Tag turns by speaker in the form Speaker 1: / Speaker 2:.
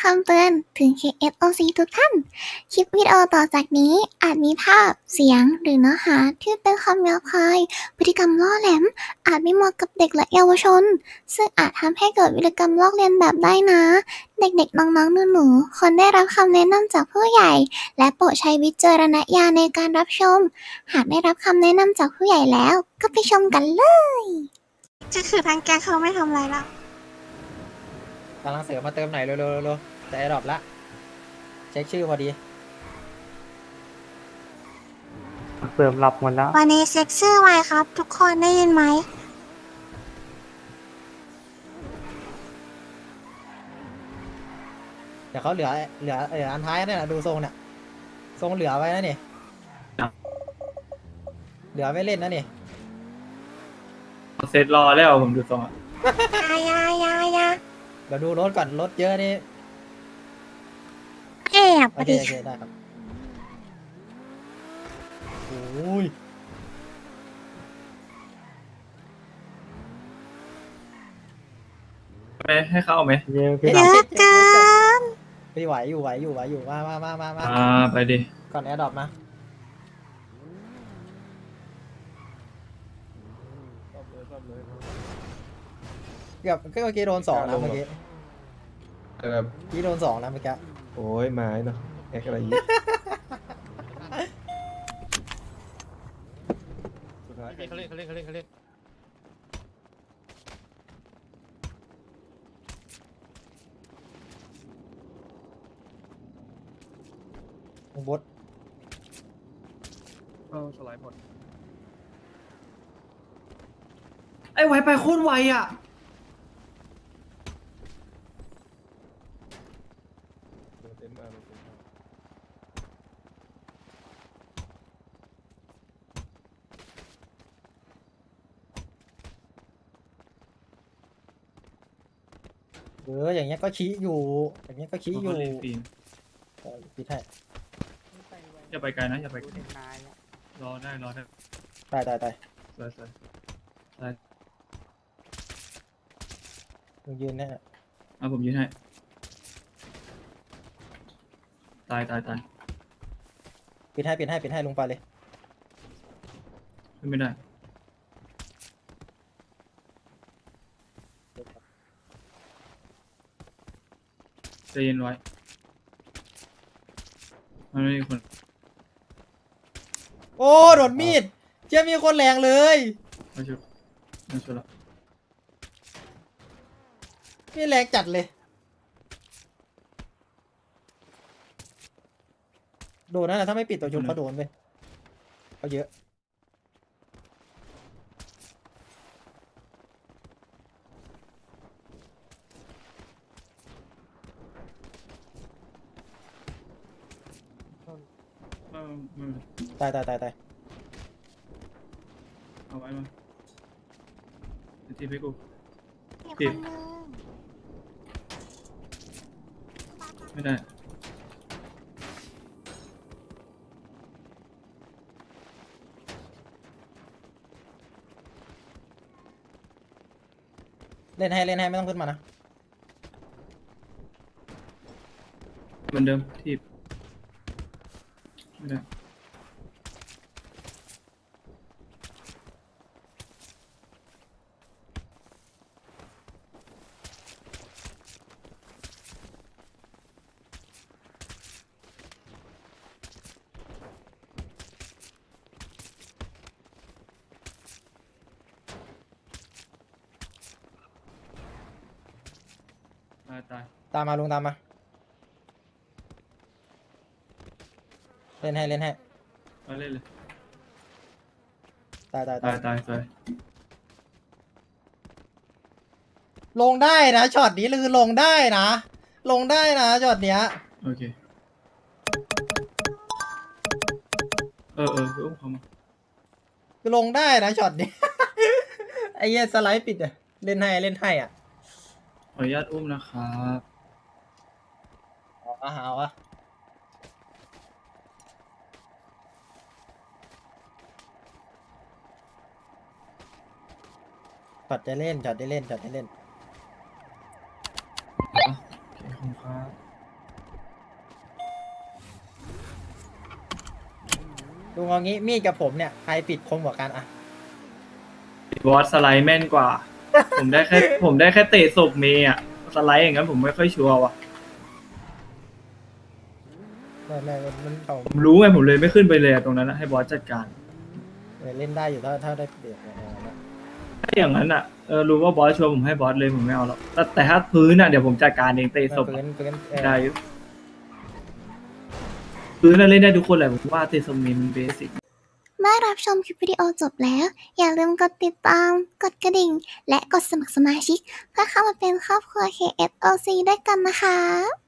Speaker 1: ำเตือนถึง KSOC ทุกท่าน คลิปวิดีโอต่อจากนี้อาจมีภาพ เสียง หรือเนื้อหาที่เป็นคำหยาบคาย พฤติกรรมล่อแหลม อาจไม่เหมาะกับเด็กและเยาวชน ซึ่งอาจทำให้เกิดวิธีกรรมลอกเลียนแบบได้นะ เด็กๆ น้องๆ หนูๆ ควรได้รับคำแนะนำจากผู้ใหญ่ และโปรดใช้วิจารณญาณในการรับชม หากได้รับคำแนะนำจากผู้ใหญ่แล้ว ก็ไปชมกันเลยจะคือทางแกเขาไม่ทำอะไรแล้ว
Speaker 2: กำลังเสือมาเติมไหนเร็วๆๆจะไอ้ดรอปละเช็คชื่อพอดี
Speaker 3: เสริมหลับหมดแล้ว
Speaker 1: วันนี้เซ็กชื่อไว้ครับ ทุกคนได้ยินไหม
Speaker 2: เดี๋ยวเขาเหลืออันท้ายนี่นแหละดูทรงเนี่ยทรงเหลือไว้นะนี่
Speaker 3: ครับ
Speaker 2: เหลือไว้เล่นนะนี่
Speaker 3: เสร็จรอแล้วผมดูทรงอ่ะ
Speaker 1: ยา
Speaker 2: เดี๋ยวดูรถก่อนรถเยอะนี่
Speaker 1: แอบ
Speaker 2: โอ
Speaker 1: อะ
Speaker 2: เค
Speaker 1: ดิ
Speaker 2: โอเคได้ครับโอ้ย
Speaker 3: ไปให้เข้าไหม
Speaker 2: เยอะ
Speaker 1: เยอะเกิน
Speaker 2: พี่ไหวอยู่มา
Speaker 3: ไปดิ
Speaker 2: ก่อนแอร์ดรอปมาเกือบเมื่อกี้โดน2นะเมื่อกี้
Speaker 4: แบบ
Speaker 2: พี่โดน2นะเมื่อกี้
Speaker 4: โอ้ยไม้เนาะแอกอะไรอย่างงี้สุดท้าย
Speaker 5: เขาเล่น
Speaker 2: บด
Speaker 4: สไลด์หมด
Speaker 5: ไอ้ไวไปโคตรไวอ่ะ
Speaker 4: เต็มมากเลย
Speaker 2: อย่างเงี้ยก็ชี้อยู่อย่างเงี้ยก็ชี้อยู่
Speaker 3: เขาเล่นฟิล์ม
Speaker 2: พี่แท้
Speaker 3: อย่าไปไกลนะอย่าไปไกลรอได้
Speaker 2: ตาย
Speaker 3: สวย
Speaker 2: มึงยืนแน่
Speaker 3: เอาผมยืนให้ตาย
Speaker 2: ปิดให้ลงไปเลย
Speaker 3: ขึ้นไม่ได้ใจเย็นไว้มันไม่มีคน
Speaker 2: โอ้โดนมีดเจ้ามีคนแรงเลย
Speaker 3: มาชุบแล้ว
Speaker 2: นี่แรงจัดเลยโดนนั่นแหละถ้าไม่ปิดตัวชุบเขาโดนไปเขาเยอะตาย
Speaker 3: เอาไว้มาทีให้กู
Speaker 1: มีคนนึง
Speaker 3: ไม่ได้
Speaker 2: เล่นให้ไม่ต้องขึ้นมานะ
Speaker 3: เหมือนเดิมทีบไม่ได้ตาย
Speaker 2: ตามมาลุงตามมาเล่นให้
Speaker 3: มาเล่นเลย
Speaker 2: ตาย
Speaker 3: ตาย
Speaker 2: ลงได้นะช็อตนี้คือลงได้นะช็อตเนี้ย
Speaker 3: โอเคอุ้มเขามา
Speaker 2: คือลงได้นะช็อตนี้ ไอ้เหี้ยสไลด์ปิดอะเล่นให้อ่ะ
Speaker 3: ขออนุญาตอุ้มนะครับ
Speaker 2: เอาวะช็อตได้เล่น
Speaker 3: โอเคขอบคุณครับ
Speaker 2: ลุงเอางี้มีดกับผมเนี่ยใครปิดคมกว่ากันอะ
Speaker 3: บอสสไลด์แม่นกว่า ผมได้แค่ ผมได้แค่เตะศพเมย์อะสไลด์อย่างนั้นผมไม่ค่อยชัวร์ว่ะ
Speaker 2: ไม่มันเขา
Speaker 3: ผมรู้ไงผมเลยไม่ขึ้นไปเลยอะตรงนั้นนะให้บอสจัดการ
Speaker 2: เล่นได้อยู่ถ้าได้เปรียบอย่างนั้นนะ
Speaker 3: ถ้าอย่างนั้นอ่ะรู้ว่าบอสชัวร์ผมให้บอสเลยผมไม่เอาหรอกแต่ถ้าพื้นอ่ะเดี๋ยวผมจัดการเองเตะศพ
Speaker 2: ปื
Speaker 3: อะ
Speaker 2: น
Speaker 3: ได้อยู่พื้นน่ะเล่นได้ทุกคนแหละผมว่าเตะศพเมย์มันเบสิก
Speaker 1: เมื่อรับชมคลิปวิดีโอจบแล้ว อย่าลืมกดติดตาม กดกระดิ่ง และกดสมัครสมาชิก เพื่อเข้ามาเป็นครอบครัว KSOC ด้วยกันนะคะ